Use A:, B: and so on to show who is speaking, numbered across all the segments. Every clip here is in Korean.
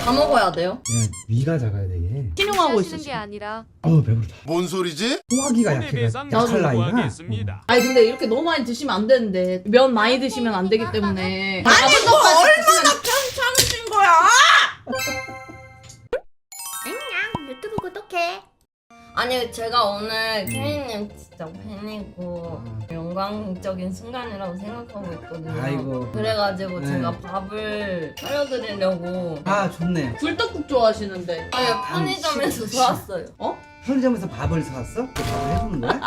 A: 다 먹어야 돼요?
B: 야, 위가 작아야 되게.
C: 신용하고 있어.
D: 게 아니라
B: 배부르다.
E: 뭔 소리지?
B: 소화기가 약할 나이가.
C: 아니 근데 이렇게 너무 많이 드시면 안 되는데 면 많이 드시면 안 되기 때문에.
A: 아니 너 얼마나 편찮으신 거야?
D: 안녕 유튜브 구독해.
A: 아니 제가 오늘 케이님 진짜 팬이고 영광적인 순간이라고 생각하고 있거든요.
B: 아이고.
A: 그래가지고
B: 네.
A: 제가 밥을 차려드리려고
B: 좋네.
C: 굴떡국 좋아하시는데.
A: 아니 편의점에서 사왔어요.
B: 편의점에서 밥을 사왔어? 그 밥을 해주는 거야?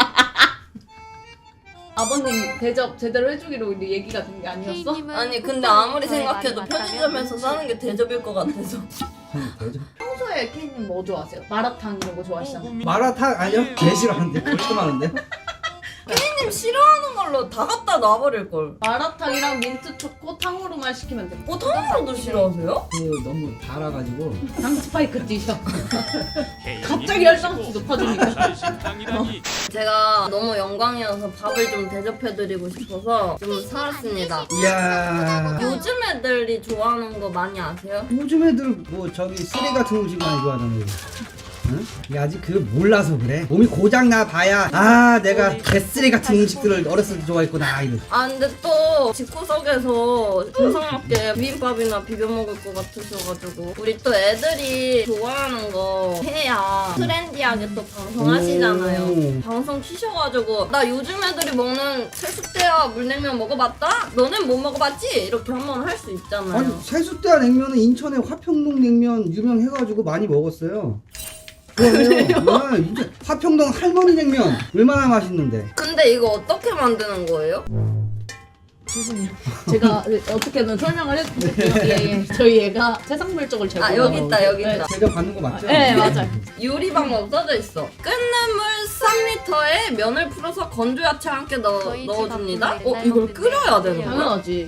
C: 아버님 대접 제대로 해주기로 우리 얘기가 된 게 아니었어?
A: 아니 근데 아무리 생각해도 편의점에서 사는 게 대접일 것 같아서.
B: 대접.
C: 평소에 케이님 뭐 좋아하세요? 마라탕 이런 거 좋아하시잖아요.
B: 마라탕 아니요? 개 싫어하는데 그렇게 많은데?
A: 케이님 싫어하는 걸로 다 갖다 놔버릴걸.
C: 마라탕이랑 민트 초코 탕후루만 시키면 돼.
A: 탕후루도 싫어하세요?
B: 너무 달아가지고.
C: 당 스파이크 드셔. 갑자기 혈당수 높아지니까.
A: 제가 너무 영광이어서 밥을 좀 대접해드리고 싶어서 좀 사왔습니다.
B: 이야.
A: 요즘 애들이 좋아하는 거 많이 아세요?
B: 요즘 애들 뭐 저기 쓰레 같은 음식 많이 좋아하잖아요. 응? 이게 아직 몰라서 그래. 몸이 고장 나 봐야 내가 개쓰레 같은 음식들을 어렸을 때 좋아했구나 이러.
A: 근데 또 집구석에서 정상맞게 비빔밥이나 비벼 먹을 것 같으셔가지고 우리 또 애들이 좋아하는 거 해야 트렌디하게 또 방송하시잖아요. 방송 키셔가지고 나 요즘 애들이 먹는 세숫대야 물냉면 먹어봤다? 너넨 못 먹어봤지? 이렇게 한번 할 수 있잖아요.
B: 아니 세숫대야 냉면은 인천에 화평동 냉면 유명해가지고 많이 먹었어요. 그래요? 이제 화평동 할머니 냉면 얼마나 맛있는데.
A: 근데 이거 어떻게 만드는 거예요?
C: 죄송해요. 제가 어떻게든 설명을 해드릴게요. 예. 저희 얘가 세상 물적을 제거.
A: 여기 있다 여기 있다.
B: 제가 받는 거 맞죠?
C: 네 맞아요.
A: 요리 방법 써져 있어. 끓는 물 3리터에 면을 풀어서 건조 야채와 함께 넣어줍니다. 이걸 끓여야 되는 거야?
C: 당연하지.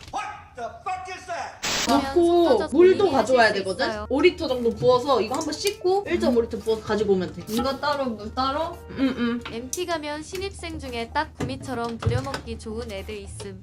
C: 넣고 물도 가져와야 되거든? 5리터 정도 부어서 이거 한번 씻고 1.5리터 부어서 가지고 오면 돼.
A: 이거 따로 물 따로?
D: MT 가면 신입생 중에 딱 구미처럼 부려먹기 좋은 애들 있음.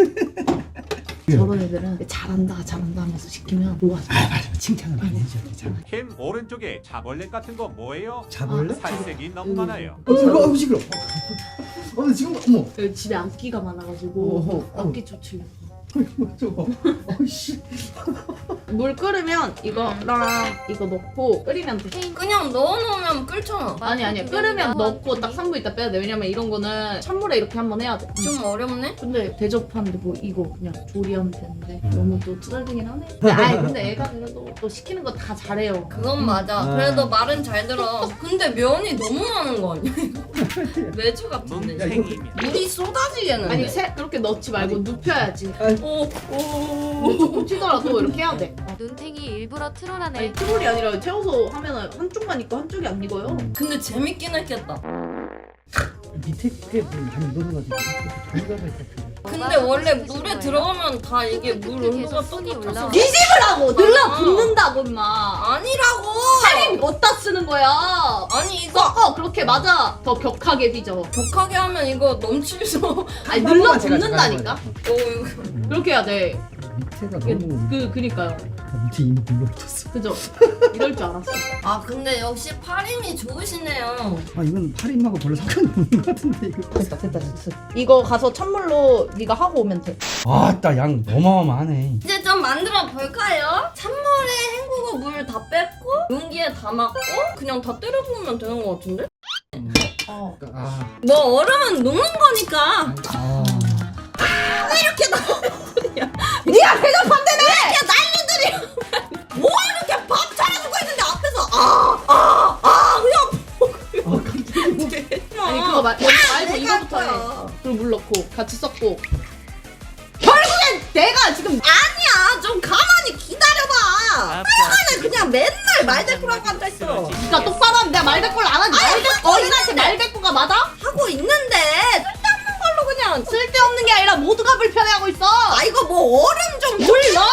C: 저런 애들은 잘한다 하면서 시키면 좋아하죠.
B: 맞아. 칭찬을 많이 해줘야 되잖아.
F: 캠 오른쪽에 자벌레 같은 거 뭐예요?
B: 자벌레?
F: 살색이 너무 많아요.
B: 시끄러. 지금 어머.
C: 여기 집에 암기가 많아가지고 암기 조치려고.
B: 저거. 씨.
C: 물 끓으면 이거랑 이거 넣고 끓이면 돼.
A: 그냥 넣어놓으면 끓잖아.
C: 아니 끓으면 넣고 딱 3분 있다 빼야 돼. 왜냐면 이런 거는 찬물에 이렇게 한번 해야 돼.
A: 좀 어렵네?
C: 근데 대접하는데 뭐 이거 그냥 조리하면 되는데 너무 또 투덜대긴 하네. 근데 애가 그래도 또 시키는 거 다 잘해요.
A: 그건 맞아. 그래도 말은 잘 들어. 근데 면이 너무 많은 거 아니야? 매주 같은데.
F: 뭉탱이면
A: 물이 쏟아지겠는데?
C: 아니 그렇게 넣지 말고 눕혀야지.
A: 오.
C: 조금 튀더라도 이렇게 해야 돼.
D: 눈탱이 일부러 트롤하네.
C: 아니 트롤이 아니라 채워서 하면은 한쪽만 있고 한쪽이 안 익어요.
A: 근데 재밌긴 했겠다.
B: 밑에 꽤 많이 익어가지고 돌가가 있다.
A: 근데 원래 물에 들어가면 다 이게 물 온도가
D: 손이
A: 똑같아서
D: 올라와.
C: 뒤집으라고 늘러붙는다고 임마.
A: 아니라고!
C: 살이 어디다 쓰는 거야?
A: 아니 이거
C: 그렇게 맞아. 더 격하게 빚어.
A: 격하게 하면 이거 넘치죠.
C: 아니
B: 한 번만 제가
C: 늘러붙는다니까.
A: 이거
C: 그렇게 해야 돼.
B: 밑에가 너무
C: 그니까요.
B: 밑에 이미 눌러붙었어.
C: 그죠? 이럴 줄 알았어.
A: 근데 역시 팔힘이 좋으시네요.
B: 이건 팔임하고 별로 상관이 없는 것 같은데 이거.
C: 됐다. 이거 가서 찬물로 네가 하고 오면 돼.
B: 아따 양 어마어마하네.
A: 이제 좀 만들어 볼까요? 찬물에 헹구고 물 다 뺐고 용기에 담았고 그냥 다 때려 부으면 되는 것 같은데? 뭐 얼음은 녹는 거니까. 이렇게
C: 네가 대접한대네.
A: 이렇게 난리들이 뭐 이렇게 밥 차려주고 있는데 앞에서 그냥
C: 아니 그거 말고 이거부터 해. 그리고 물 넣고 같이 섞고. 결국엔 내가 지금
A: 아니야 좀 가만히 기다려봐. 그냥 맨날 말대꾸라고 앉아있어.
C: 네가 똑바로 하면 내가 말대꾸를 안 하지. 어린한테 말대꾸가 맞아?
A: 하고 있는데 쓸데없는 걸로 그냥
C: 쓸데없는 게 아니라 모두가 불편해하고 있어.
A: 이거 뭐 얼음 좀
C: 물 넣어.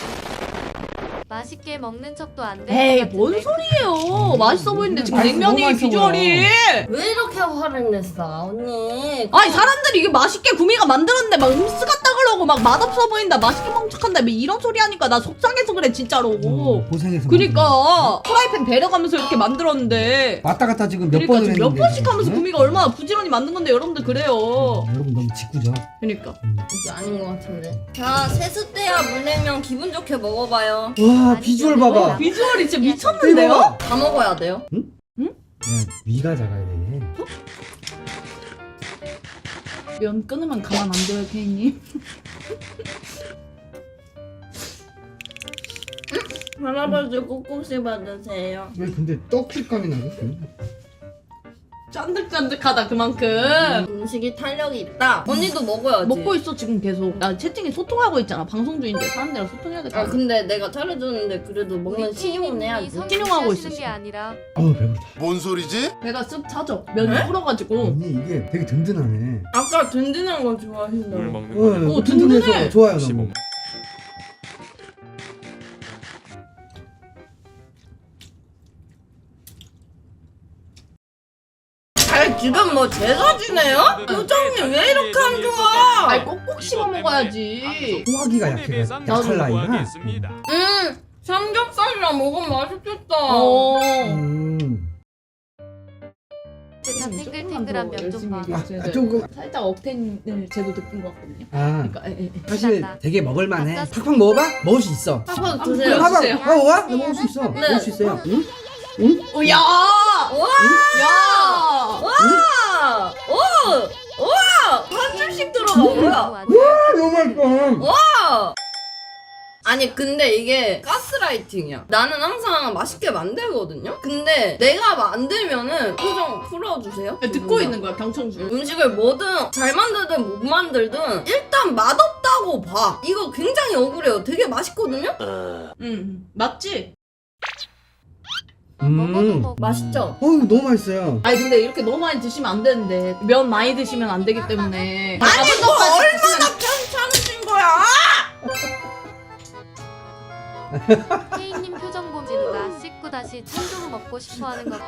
D: 맛있게 먹는 척도 안 돼.
C: 에이 뭔 소리예요. 맛있어 보이는데 지금
B: 아니,
C: 냉면이
B: 너무 맛있어
C: 비주얼이.
A: 왜 이렇게 화를 냈어 언니?
C: 아니 사람들이 이게 맛있게 구미가 만들었는데 막 음스 같다 그러고 막 맛없어 보인다 맛있게 먹는 척한다 뭐 이런 소리 하니까 나 속상해서 그래 진짜로.
B: 고생해서
C: 그니까 프라이팬 데려가면서 이렇게 만들었는데.
B: 왔다 갔다 지금 몇
C: 그러니까
B: 번을
C: 지금
B: 했는데
C: 몇 번씩 하면서
B: 응?
C: 구미가 얼마나 부지런히 만든 건데 여러분들 그래요.
B: 여러분 너무 짓궂어.
C: 그니까.
A: 이게 아닌 것 같은데. 자, 세숫대야 물냉면 기분 좋게 먹어봐요.
B: 와 비주얼 봐봐.
C: 비주얼이 진짜
B: 이거
C: 미쳤는데요?
B: 봐봐.
A: 다 먹어야 돼요.
B: 야, 위가 작아야 돼.
C: 면 끊으면 가만 안 둬요, 케이님.
A: 할아버지 꼭 씹어주세요.
B: 왜 근데 떡 식감이 나지?
C: 쫀득쫀득하다 그만큼.
A: 음식이 탄력이 있다. 언니도 먹어야지.
C: 먹고 있어 지금 계속. 나 채팅에 소통하고 있잖아. 방송 중인데 사람들이랑 소통해야겠다.
A: 아 근데 내가 차려줬는데 그래도 먹는 신용은 해야지.
C: 신용하고 있어,
D: 게
C: 지금.
D: 아니라
B: 어우 배부르다.
E: 뭔 소리지?
C: 배가 쓱 차죠. 면이 불어가지고.
B: 언니 이게 되게 든든하네.
A: 아까 든든한 거 좋아하신다고.
F: 물 먹는 거는
C: 오, 든든해.
B: 좋아요 너무.
F: 15.
A: 아 지금 뭐 제사 지내요? 표정이 왜 이렇게 안 좋아?
C: 아이 꼭꼭 씹어 먹어야지.
B: 소화기가 약해. 약할 나이가.
A: 삼겹살이랑 먹으면 맛있겠다.
C: 어.
D: 다 탱글탱글한 면 좀 봐.
B: 조금.
C: 살짝 억텐을 제도 느낀 것 같거든요.
B: 아
C: 그러니까
B: 사실 되게 먹을만해. 팍팍 먹어봐? 먹을 수 있어.
A: 한번
C: 한번
A: 드세요.
C: 보여주세요.
B: 봐봐.
C: 주세요.
B: 먹어봐? 나 먹을 수 있어.
A: 네.
B: 먹을 수 있어요. 응?
C: 오, 야!
A: 와!
C: 야!
A: 와! 오! 와! 한 줄씩 들어가 뭐야?
B: 너무 맛있어.
A: 와! 아니 근데 이게 가스라이팅이야. 나는 항상 맛있게 만들거든요. 근데 내가 만들면은 표정 풀어주세요.
C: 듣고 있는 거야 경청주.
A: 음식을 뭐든 잘 만들든 못 만들든 일단 맛없다고 봐. 이거 굉장히 억울해요. 되게 맛있거든요?
C: 맞지?
D: 먹어도 먹어.
A: 맛있죠?
B: 어우 너무 맛있어요.
C: 아니 근데 이렇게 너무 많이 드시면 안 되는데 면 많이 드시면 안 되기 때문에.
A: 아니 뭐 얼마나 편찮으신 거야?
D: 케이님 표정 보지 누가 씻고 다시 참조구 먹고 싶어하는 거.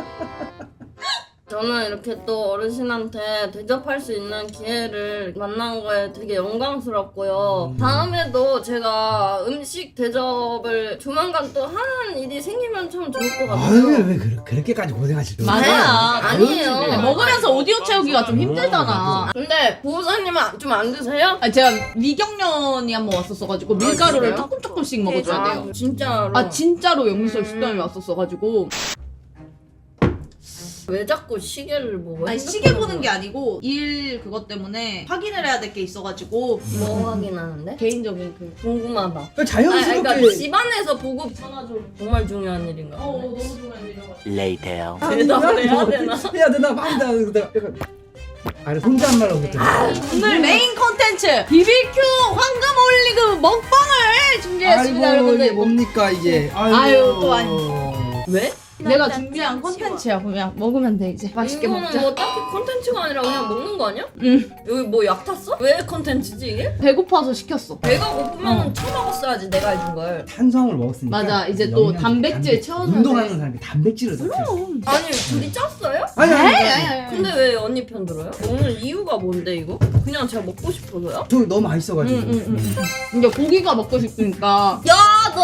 A: 저는 이렇게 또 어르신한테 대접할 수 있는 기회를 만난 거에 되게 영광스럽고요. 다음에도 제가 음식 대접을 조만간 또 하는 일이 생기면 참 좋을 것
B: 아유
A: 같아요.
B: 왜 그렇게까지 고생하실 거
C: 맞아.
A: 아니에요.
C: 아니, 먹으면서 오디오 채우기가 좀 힘들잖아.
A: 근데 보호사님은 좀 안 드세요?
C: 아 제가 미경련이 한번 왔었어가지고 밀가루를
A: 진짜요?
C: 조금씩 먹어줘야 돼요.
A: 진짜로.
C: 아 진짜로 영미설 식당에 왔었어가지고.
A: 왜 자꾸 시계를 보고?
C: 아니 시계 보는 게 아니고 일 그것 때문에 확인을 해야 될 게 있어가지고.
A: 뭐 확인하는데?
C: 개인적인 그.
A: 궁금하다.
B: 왜 자연스럽게
A: 그러니까 집안에서 보고 정말 중요한 일인가?
C: 너무 중요한 일이어가지고.
G: Later.
A: 대답을 해야 되나?
B: 해야 되나 말이다. 내가 약간 아니 혼잣말로 그랬잖아.
C: 오늘 메인 컨텐츠 BBQ 황금 올리브 먹방을 준비했습니다
B: 아이고
C: 여러분들.
B: 이게 뭡니까 이게.
C: 아유, 또 아니.
A: 왜?
C: 내가 준비한 컨텐츠야. 그냥 먹으면 돼 이제. 맛있게
A: 이거는
C: 먹자.
A: 뭐 딱히 콘텐츠가 아니라 그냥 먹는 거 아니야?
C: 응.
A: 여기 뭐 약 탔어? 왜 콘텐츠지 이게?
C: 배고파서 시켰어.
A: 배가 고프면 처먹었어야지 내가 해준 걸.
B: 탄수화물 먹었으니까.
C: 맞아, 이제 또
B: 영양,
C: 단백질 채워줘야
B: 운동하는
C: 돼.
B: 사람이 단백질을 더 채워.
A: 아니 둘이 짰어요?
B: 아니.
A: 근데 왜 언니 편 들어요? 오늘 이유가 뭔데 이거? 그냥 제가 먹고 싶어서요?
B: 저 너무 맛있어가지고.
C: 이제 고기가 먹고 싶으니까.
A: 야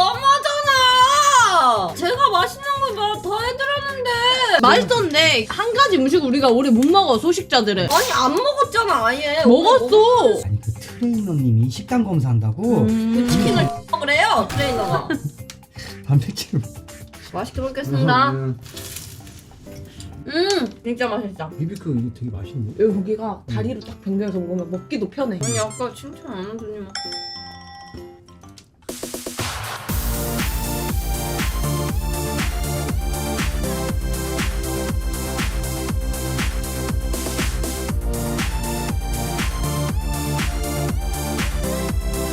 A: 너무하잖아! 제가 맛있는 거 더 해드렸는데
C: 맛있었는데 한 가지 음식 우리가 오래 못 먹어 소식자들은.
A: 아니 안 먹었잖아 아예.
C: 먹었어.
B: 아니 그 트레이너님이 식단 검사한다고
A: 그 치킨을 먹으래요 트레이너가.
B: 단백질.
A: 맛있게 먹겠습니다.
B: 음.
A: 진짜 맛있다.
B: 비비큐 이거 되게 맛있네.
C: 여기 고기가 다리로 딱 변경해서 먹으면 먹기도 편해.
A: 아니 아까 칭찬 안 해주니 막.